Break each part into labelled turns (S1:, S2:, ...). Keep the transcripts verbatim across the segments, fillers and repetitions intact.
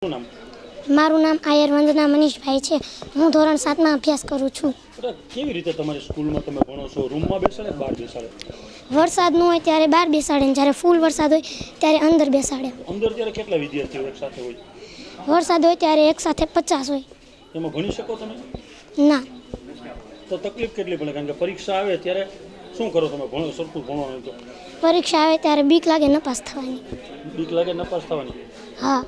S1: નામ?
S2: મારું નામ આયર વંદના મનીષભાઈ છે. હું ધોરણ સાતમાં અભ્યાસ કરું છું.
S1: કેવી રીતે તમારી સ્કૂલમાં તમે ભણો છો? રૂમમાં બેસાડે બહાર બેસાડે?
S2: વરસાદ ન હોય ત્યારે બહાર બેસાડે ને જ્યારે ફૂલ વરસાદ હોય ત્યારે અંદર બેસાડે.
S1: અંદર ત્યારે કેટલા વિદ્યાર્થીઓ એક સાથે હોય?
S2: વરસાદ હોય ત્યારે એક સાથે પચાસ હોય.
S1: એમાં ભણી શકો તમે?
S2: ના.
S1: તો તકલીફ કેટલી પડે? કારણ કે પરીક્ષા આવે ત્યારે શું કરો તમે? ભણો સરખું ભણવાનું તો
S2: પરીક્ષા આવે ત્યારે બીક લાગે નપાસ થવાની.
S1: બીક લાગે નપાસ થવાની?
S2: હા.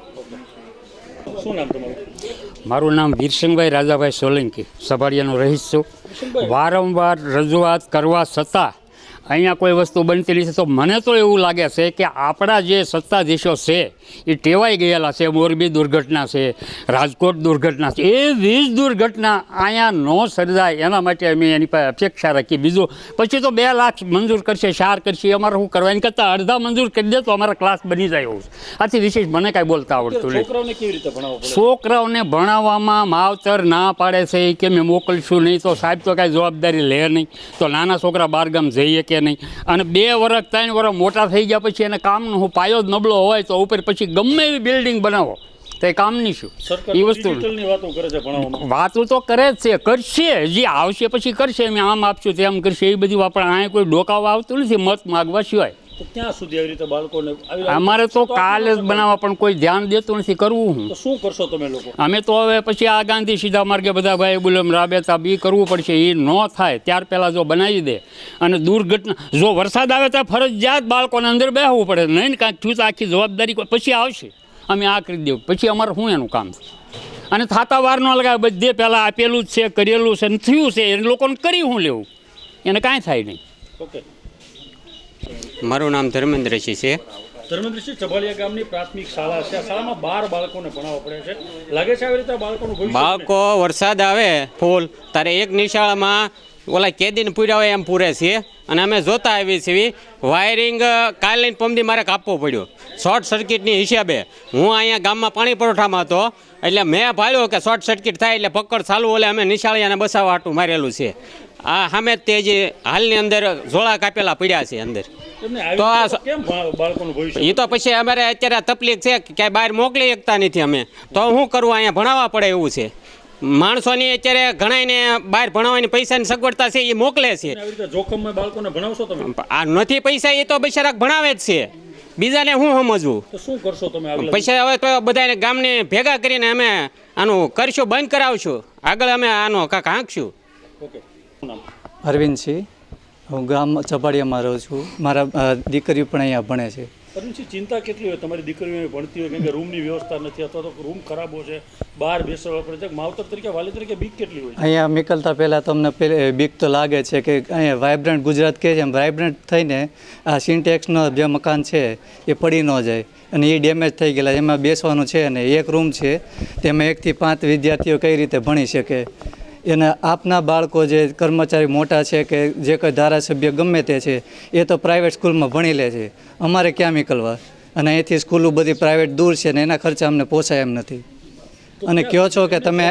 S1: શું નામ તમારું?
S3: મારું નામ વીરસિંહભાઈ રાજાભાઈ સોલંકી, સભાડિયાનો રહીશ છું. વારંવાર રજૂઆત કરવા છતાં અહીંયા કોઈ વસ્તુ બનતી નથી. તો મને તો એવું લાગે છે કે આપણા જે સત્તાધીશો છે એ ટેવાઈ ગયેલા છે. મોરબી દુર્ઘટના છે, રાજકોટ દુર્ઘટના છે, એ વીજ દુર્ઘટના અહીંયા ન સર્જાય એના માટે અમે એની પાસે અપેક્ષા રાખી. બીજું પછી તો બે લાખ મંજૂર કરશે, શાર કરશે, અમારે શું કરવા? એની કરતાં અડધા મંજૂર કરી દે તો અમારા ક્લાસ બની જાય એવું. આથી વિશેષ મને કાંઈ બોલતા આવડતું નહીં.
S1: છોકરાઓને કેવી રીતે ભણાવવો પડે?
S3: છોકરાઓને ભણાવવામાં માવતર ના પાડે છે કે મેં મોકલશું નહીં. તો સાહેબ તો કાંઈ જવાબદારી લે નહીં. તો નાના છોકરા બહારગામ જઈએ કે નહીં. અને બે વર્ષ ત્રણ વર્ષ મોટા થઈ ગયા પછી એને કામનો હું પાયો જ નબળો હોય તો ઉપર પછી ગમે એવી બિલ્ડિંગ બનાવો તો એ કામની શું? એ વસ્તુ વાતો તો કરે જ છે, કરશે, જે આવશે પછી કરશે. અમે આમ આપશું તેમ કરશે, એ બધી આપણે અહીંયા કોઈ ડોકાવા આવતું નથી મત માગવા સિવાય.
S1: ક્યાં સુધી આવી રીતે બાળકોને?
S3: અમારે તો કાલે જ બનાવવા પણ કોઈ ધ્યાન દેતું નથી. કરવું હું?
S1: તો શું કરશો તમે લોકો? અમે
S3: તો હવે પછી આ ગાંધી સીધા માર્ગે બધા ભાઈ બુલમ રાબેતા બી કરવું પડશે. એ ન થાય ત્યાર પહેલાં જો બનાવી દે અને દુર્ઘટના જો વરસાદ આવે તો ફરજિયાત બાળકોને અંદર બેસવું પડે. નહીં ને કાંઈક થયું તો આખી જવાબદારી પછી આવશે. અમે આ કરી દેવું પછી અમારે શું એનું કામ છે? અને થાતા વાર ન લગાવે. બધે પહેલાં આપેલું જ છે, કરેલું છે, થયું છે, એ લોકોને કરી શું લેવું? એને કાંઈ થાય નહીં.
S1: ઓકે.
S4: મારું નામ ધર્મેન્દ્રસિંહ છે.
S1: ધર્મેન્દ્રસિંહ, ચભાલિયા ગામની પ્રાથમિક શાળા છે. આ શાળામાં બાર બાળકોને ભણાવવા પડે છે. લાગે છે આવી રીતે બાળકોનું ભવિષ્ય?
S4: બાળકો વરસાદ આવે ફૂલ ત્યારે એક નિશાળામાં ઓલા કેદીને પૂર્યા હોય એમ પૂરે છે. અને અમે જોતા આવી છીએ વાયરિંગ કાલે પમદી મારે કાપવો પડ્યો શોર્ટ સર્કિટની હિસાબે. હું અહીંયા ગામમાં પાણી પુરવઠામાં હતો એટલે મેં ભાળ્યો કે શોર્ટ સર્કિટ થાય એટલે પકડ ચાલુ ઓલે અમે નિશાળિયાને બસાવવા હાટું મારેલું છે. આ સામે તે જે હાલની અંદર ઝોળા કાપેલા પડ્યા છે અંદર. તો આ એ તો પછી અમારે અત્યારે તકલીફ છે કે ક્યાંય બહાર મોકલી શકતા નથી અમે. તો શું કરવું? અહીંયા ભણાવવા પડે એવું છે. માણસોની અત્યારે ઘણાને બહાર ભણાવવાની પૈસાની સગવડતા છે એ મોકલે છે.
S1: જોખમમાં બાળકોને ભણાવશો તમે?
S4: આ નથી પૈસા એ તો બિચારા ભણાવે જ છે. બીજાને શું સમજવું?
S1: શું કરશો તમે?
S4: પૈસા હવે તો બધાને ગામને ભેગા કરીને અમે આનું કરશું, બંધ કરાવશું. આગળ અમે આનો કાંક હાંકશું.
S1: ઓકે.
S5: અરવિંદસિંહ, હું ગામ ચપાડિયામાં રહું છું. મારા દીકરીઓ પણ અહીંયા ભણે છે.
S1: અરવિંદસિંહ, ચિંતા કેટલી હોય તમારી દીકરીઓ ભણતી હોય? કેમ કે રૂમની વ્યવસ્થા નથી અથવા તો રૂમ ખરાબ છે, બહાર બેસવા પડે છે. માવતર તરીકે, વાલી તરીકે બીક કેટલી હોય?
S5: અહીંયા નીકળતા પહેલાં તમને પહેલે બીક તો લાગે છે કે અહીંયા વાઇબ્રન્ટ ગુજરાત કહે છે એમ વાઇબ્રન્ટ થઈને આ સિન્ટેક્સનો જે મકાન છે એ પડી ન જાય અને એ ડેમેજ થઈ ગયેલા. એમાં બેસવાનું છે અને એક રૂમ છે તેમાં એકથી પાંચ વિદ્યાર્થીઓ કઈ રીતે ભણી શકે? એના આપના બાળકો જે કર્મચારી મોટા છે કે જે કોઈ ધારાસભ્ય ગમે તે છે એ તો પ્રાઇવેટ સ્કૂલમાં ભણી લે છે. અમારે ક્યાં નીકળવા? અને અહીંથી સ્કૂલો બધી પ્રાઇવેટ દૂર છે ને એના ખર્ચા અમને પોસાય એમ નથી. અને કહો છો કે તમે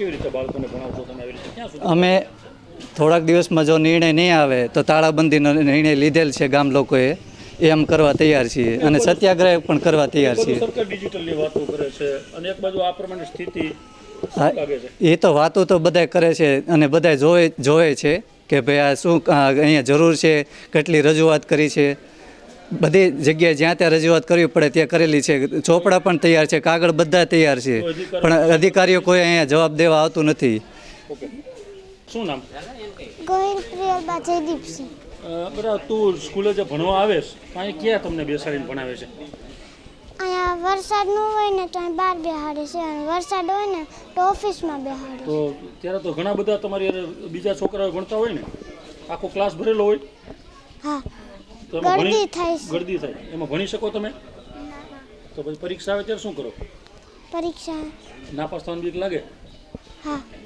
S5: અમે થોડાક દિવસમાં જો નિર્ણય નહીં આવે તો તાળાબંધીનો નિર્ણય લીધેલ છે ગામ લોકોએ, એ એમ કરવા તૈયાર છીએ અને સત્યાગ્રહ પણ કરવા તૈયાર છીએ.
S1: સરકાર ડિજિટલની વાતો કરે છે અને એક બાજુ આ પ્રમાણે સ્થિતિ.
S5: એ તો વાતો તો બધા કરે છે અને બધા જોવે જોવે છે કે ભાઈ આ શું અહીંયા જરૂર છે, કેટલી રજૂઆત કરી છે. બધી જગ્યાએ જ્યાં ત્યાં રજૂઆત કરવી પડે ત્યાં કરેલી છે. ચોપડા પણ તૈયાર છે, કાગળ બધા તૈયાર છે, પણ અધિકારીઓ કોઈ અહીંયા જવાબ દેવા આવતું નથી.
S1: શું નામ?
S2: ગોહિલ પ્રિયલબા જયદીપસિંહ.
S1: બરાબર. તું સ્કૂલે જે ભણવા આવે છે અહીં ક્યાં તમને બેસાડીને ભણાવે છે?
S2: અહીંયા વરસાદ ન હોય ને તો અહીં બહાર બેહાડે છે અને વરસાદ હોય ને તો ઓફિસમાં બેહાડે.
S1: તો ત્યારે તો ઘણા બધા તમારી બીજા છોકરાઓ ભણતા હોય ને, આખો ક્લાસ ભરેલો હોય?
S2: હા. ગળદી થાય છે.
S1: ગળદી થાય એમાં ભણી શકો તમે? તો પછી પરીક્ષા આવે ત્યારે શું કરો?
S2: પરીક્ષા
S1: નાપાસ થવાની બીક લાગે?
S2: હા.